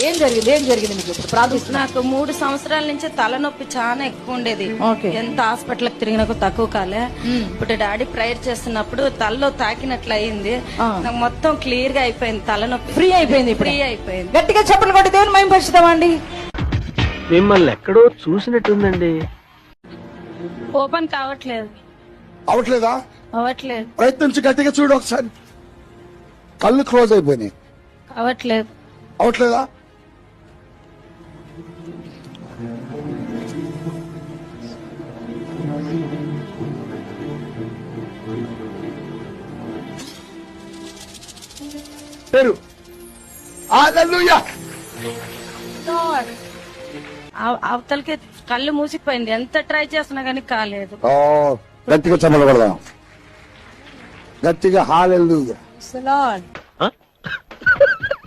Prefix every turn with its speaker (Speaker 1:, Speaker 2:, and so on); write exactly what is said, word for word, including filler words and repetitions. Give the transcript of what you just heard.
Speaker 1: ఏం జరిగింది ఏం జరిగింది మీకు ఇప్పుడు ప్రార్థిస్తున్నా?
Speaker 2: నాకు మూడు సంవత్సరాల నుంచి తలనొప్పి చాలా ఎక్కువ ఉండేది. ఎంత హాస్పిటల్ తిరిగినాకు తక్కువ కాలే. ఇప్పుడు డాడీ ప్రేయర్ చేస్తున్నప్పుడు తలలో తాకినట్లు అయింది. నాకు మొత్తం క్లియర్ గా అయిపోయింది, తలనొప్పి
Speaker 1: ఫ్రీ అయిపోయింది.
Speaker 2: ఫ్రీ అయిపోయింది.
Speaker 1: గట్టిగా చెప్పలు కొట్టి దేవుని మహిమ పరుచుదామండి.
Speaker 3: మిమ్మల్ని ఎక్కడో చూసినట్టుందండి.
Speaker 2: ఓపెన్ కావట్లేదు.
Speaker 4: అవట్లేదా?
Speaker 2: అవట్లేదు.
Speaker 4: ప్రయత్నించి గట్టిగా చూడు ఒకసారి. కళ్ళు క్లోజ్ అయిపోయినాయి.
Speaker 2: అవట్లేదు.
Speaker 4: అవట్లేదా? పేరు హల్లెలూయా.
Speaker 2: అవతలకి కళ్ళు మూసిపోయింది, ఎంత ట్రై చేస్తున్నా గానీ కాలేదు.
Speaker 4: ఓ గట్టిగా చెప్పలు కొడదాం, గట్టిగా హల్లెలూయా.